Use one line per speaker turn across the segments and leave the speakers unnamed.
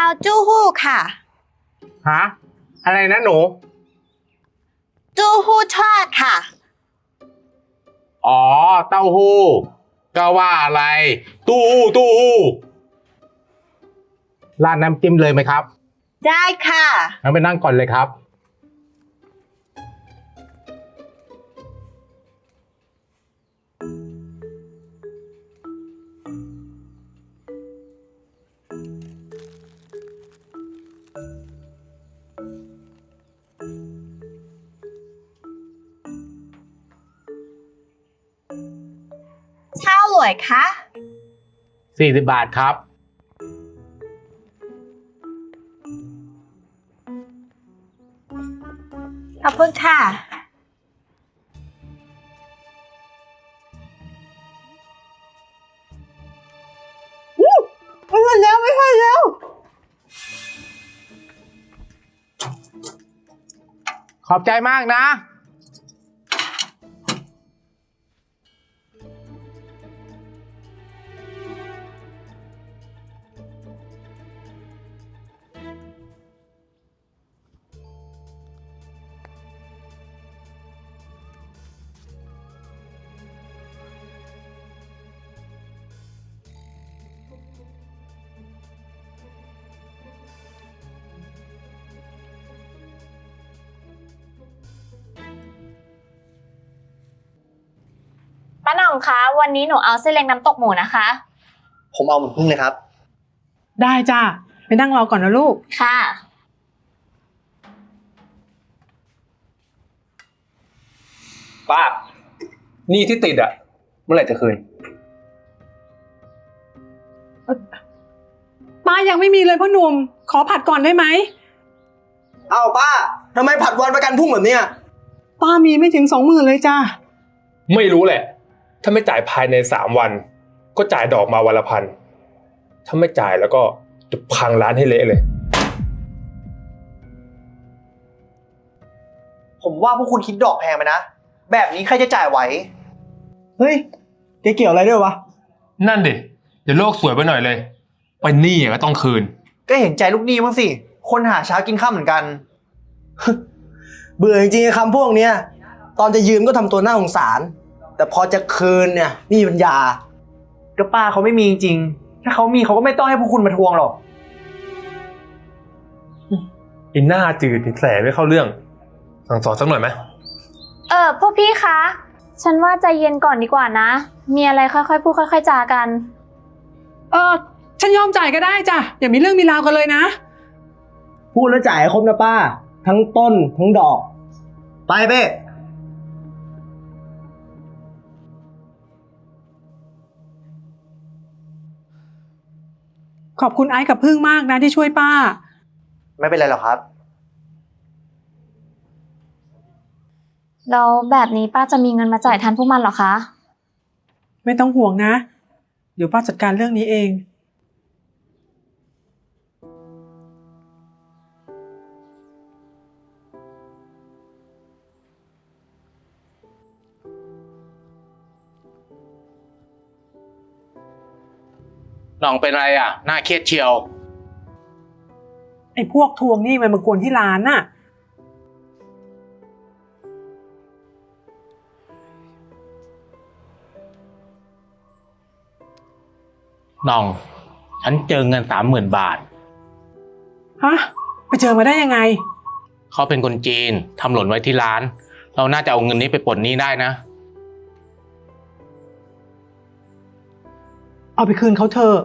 เอาจู้ฮู้ค่ะ
ฮะอะไรนะหนู
จู้ฮู้ทอดค่ะ
อ๋อเต้าหู้ก็ว่าอะไรตู้หู้ราดน้ำจิ้มเลยไหมครับ
ได้ค่ะ
งั้นไปนั่งก่อนเลยครับ
เช่าหลวยคะ
40 บาทครับ
ขอบคุณค่ะไม่ทันแล้วไม่ทันแล้ว
ขอบใจมากนะ
ป้าหน่องคะวันนี้หนูเอาเส้นเล็กน้ำตกหมูนะคะ
ผมเอาหมึกพึ่งเลยครับ
ได้จ้าไปนั่งรอก่อนนะลูก
ค่ะ
ป้าหนี้ที่ติดอะเมื่อไหร่จะคืน
ป้ายังไม่มีเลยพ่อหนุ่มขอผัดก่อนได้ไหม
เอาป้าทำไมผัดวันประกันพรุ่งแบบเนี้ย
ป้ามีไม่ถึง20,000เลยจ้า
ไม่รู้แหละ ถ้าไม่จ่ายภายใน3 วัน ก็จ่ายดอกมาวันละ1,000ถ้าไม่จ่ายแล้วก็จะพังร้านให้เละเลย
ผมว่าพวกคุณคิดดอกแพงไปนะ แบบนี้ใครจะจ่ายไหว เฮ้ยแกเกี่ยวอะไรด้วยวะ
นั่นดิเดี๋ยวโลกสวยไปหน่อยเลยไปหนี้ก็ต้องคืน
ก็เห็นใจลูกหนี้บ้างสิ คนหาเช้ากินข้าวเหมือนกัน เบื่อจริงๆคำพวกเนี้ย ตอนจะยืมก็ทำตัวน่าสงสาร แต่พอจะคืนเนี่ยนี่ปัญญา ก็ป้าเขาไม่มีจริงๆถ้าเขามีเขาก็ไม่ต้องให้พวกคุณมาทวงหรอก
อินหน้าจืดแสไม่เข้าเรื่องสั่งสอนสักหน่อยไหม
พวกพี่คะ ฉันว่าใจเย็นก่อนดีกว่านะ มีอะไรค่อยๆพูดค่อยๆจากัน
ฉันยอมจ่ายก็ได้จ้ะอย่ามีเรื่องมีราวกันเลยนะ
พูดแล้วจ่ายให้ครบนะป้า ทั้งต้นทั้งดอก ไปเป้
ขอบคุณไอ้กับพึ่งมากนะที่ช่วยป้า
ไม่เป็นไรหรอกครับ
แล้วแบบนี้ป้าจะมีเงินมาจ่ายทันพวกมันเหรอคะ
ไม่ต้องห่วงนะ เดี๋ยวป้าจัดการเรื่องนี้เอง
น้องเป็นอะไรอ่ะน่าเครียดเชียว
ไอ้พวกทวงหนี้มันมากวนที่ร้านน่ะ
น้องฉันเจอเงิน30,000 บาท
ฮะ ไปเจอมาได้ยังไง
เขาเป็นคนจีนทำหล่นไว้ที่ร้าน เราน่าจะเอาเงินนี้ไปปลดหนี้ได้นะ
เอาไปคืนเขาเถอะ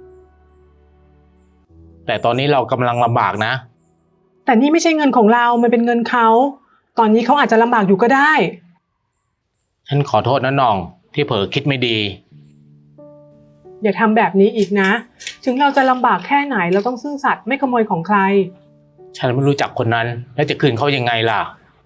แต่ตอนนี้เรากำลังลำบากนะ
แต่นี่ไม่ใช่เงินของเรา มันเป็นเงินเขา ตอนนี้เขาอาจจะลำบากอยู่ก็ได้
ฉันขอโทษนะน้องที่เผลอคิดไม่ดี
อย่าทำแบบนี้อีกนะ ถึงเราจะลำบากแค่ไหนเราต้องซื่อสัตย์ไม่ขโมยของใคร
ฉันไม่รู้จักคนนั้นแล้วจะคืนเขายังไงล่ะ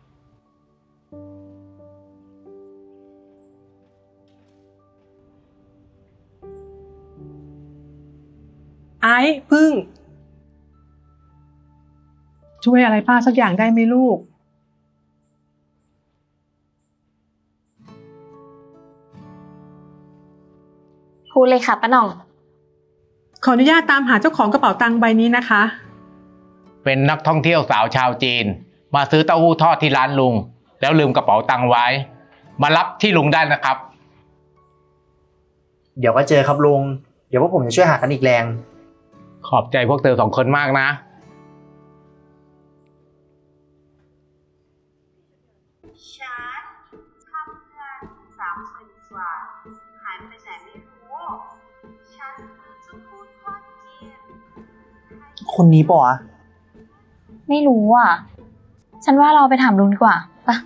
ไอ้พึ่ง ช่วยอะไรป้าสักอย่างได้ไหมลูก
พูดเลยค่ะป้าหน่อง
ขออนุญาตตามหาเจ้าของกระเป๋าตังค์ใบนี้นะคะ
เป็นนักท่องเที่ยวสาวชาวจีน มาซื้อเต้าหู้ทอดที่ร้านลุง แล้วลืมกระเป๋าตังค์ไว้ มารับที่ลุงได้นะครับ
เดี๋ยวก็เจอครับลุง เดี๋ยวพวกผมจะช่วยหากันอีกแรง
ขอบใจพวกเธอ2 คนมากนะ
ฉันทำเงิน30,000 กว่าหายไปไหนไม่รู้ ฉันซื้อเต้าหู้ทอดกิน
คนนี้ปะวะ
ไม่รู้อ่ะ ฉันว่าเราไปถามลุงดีกว่าปะ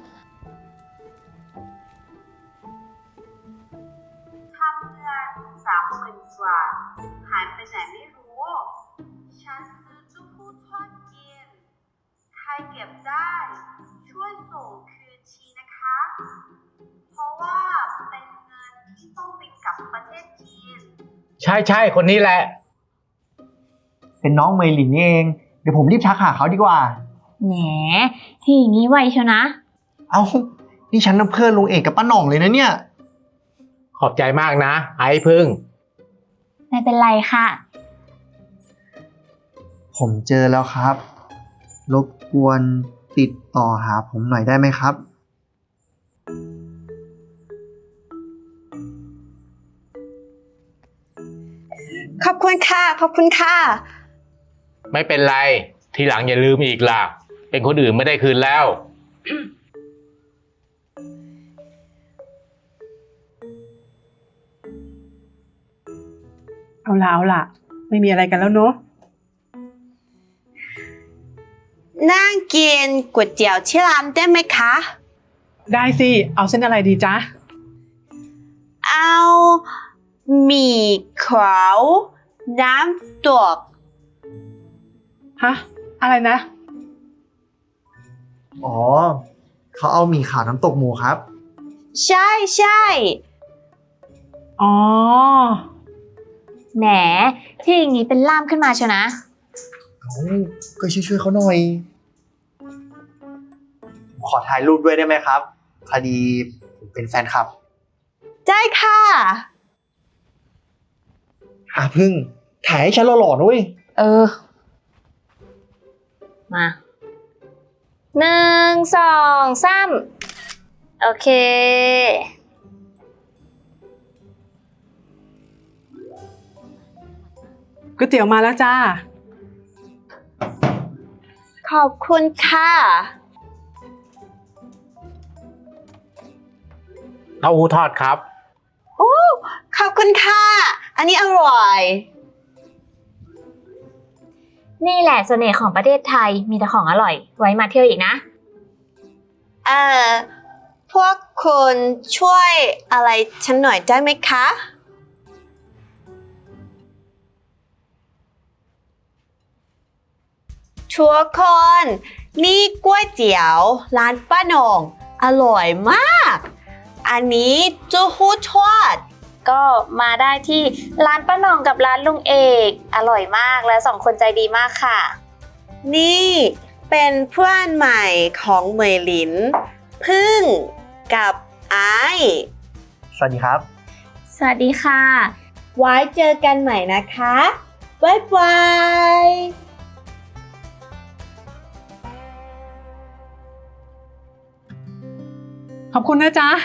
ทำเงิน30,000 กว่าหายไปไหนไม่รู้ ฉันซื้อเต้าหู้ทอดกิน ใครเก็บได้ช่วยส่งคืนทีนะคะ เพราะว่าเป็นเงินที่ต้องไปกลับประเทศจีน
ใช่คนนี้แหละ
เป็นน้องเมลินนี่เอง เดี๋ยวผมรีบทักหาเขาดีกว่า
แหมที่อย่างนี้ไวเชียวนะ
เอ้า นี่ฉันน่ะเพื่อนลุงเอกกับป้าหน่องเลยนะเนี่ย
ขอบใจมากนะ ไอ้พึ่ง
ไม่เป็นไรค่ะ
ผมเจอแล้วครับ รบกวนติดต่อหาผมหน่อยได้ไหมครับ
ขอบคุณค่ะ ขอบคุณค่ะ
ไม่เป็นไร ทีหลังอย่าลืมอีกล่ะ เป็นคนอื่นไม่ได้คืนแล้ว
เอาล่ะ ไม่มีอะไรกันแล้วเนอะ
นั่งกินก๋วยเตี๋ยวที่ร้านได้ไหมคะ
ได้สิ เอาเส้นอะไรดีจ๊ะ
เอาหมี่ขาวน้ำตก
ฮะ อะไรนะ
อ๋อ เขาเอาหมี่ขาวน้ำตกหมูครับ
ใช่ใช่
อ๋อ
แหมที่อย่างนี้เป็นล่ามขึ้นมาเชียวนะ
เอาก็ช่วยเขาหน่อย ขอถ่ายรูปด้วยได้ไหมครับ พอดีผมเป็นแฟนคลับ
ได้ค่ะ
พึ่ง ถ่ายให้ฉันหล่อๆนะเว้ย
เออ มา1 2 3โอเค
ก๋วยเตี๋ยวมาแล้วจ้า
ขอบคุณค่ะ
เต้าหู้ทอดครับ
ขอบคุณค่ะ อันนี้อร่อย
นี่แหละเสน่ห์ของประเทศไทยมีแต่ของอร่อย ไว้มาเที่ยวอีกนะ
พวกคุณช่วยอะไรฉันหน่อยได้ไหมคะทุกคน นี่ก๋วยเตี๋ยวร้านป้าหน่งอร่อยมาก อันนี้เต้าหู้ทอด
ก็มาได้ที่ร้านป้าหน่องกับร้านลุงเอกอร่อยมากและ2 คนใจดีมากค่ะ
นี่เป็นเพื่อนใหม่ของเหมยหลิน พึ่งกับไอซ์
สวัสดีครับ
สวัสดีค่ะ
ไว้เจอกันใหม่นะคะ บ๊ายบาย
ขอบคุณนะจ๊ะ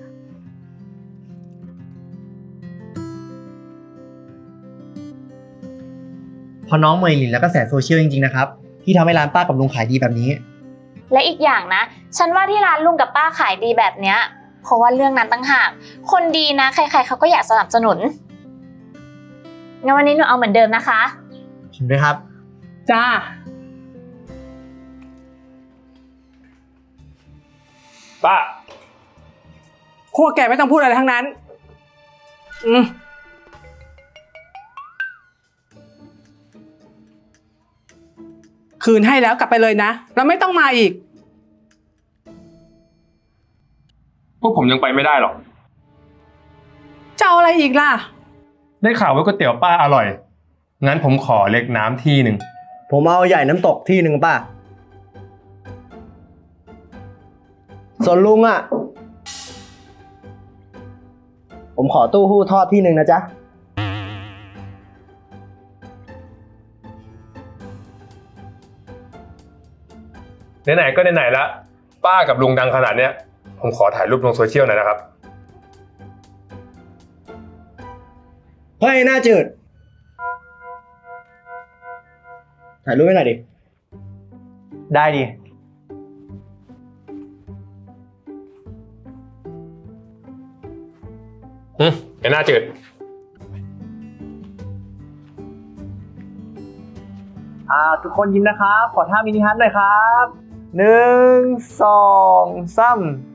พอน้องเมยลินแล้วก็แสโซเชียลจริงๆนะครับ ที่ทำให้ร้านป้ากับลุงขายดีแบบนี้
และอีกอย่างนะ ฉันว่าที่ร้านลุงกับป้าขายดีแบบเนี้ยเพราะว่าเรื่องนั้นตั้งหากคนดีนะใครๆเขาก็อยากสนับสนุนงั้นวันนี้หนูเอาเหมือนเดิมนะคะ
ผมด้วยครับ
จ้า
ป้า
พวกแกไม่ต้องพูดอะไรทั้งนั้น คืนให้แล้วกลับไปเลยนะ แล้วไม่ต้องมาอีก
พวกผมยังไปไม่ได้หรอก
จะเอาอะไรอีกล่ะ
ได้ข่าวว่าก๋วยเตี๋ยวป้าอร่อย งั้นผมขอเล็กน้ำที่หนึ่ง
ผมเอาใหญ่น้ำตกที่หนึ่งป้า ส่วนลุงอ่ะ ผมขอตู้หู้ทอดที่หนึ่งนะจ๊ะ
ไหนๆก็ไหนๆละป้ากับลุงดังขนาดเนี้ยผมขอถ่ายรูปลงโซเชียลหน่อยนะครับ
เฮ้ยหน้าจืด ถ่ายรูปให้หน่อยดิ ได้ดิ
ไอ้หน้าจืด
ทุกคนยิ้มนะครับ ขอท่ามินิฮัทหน่อยครับ 1 2 3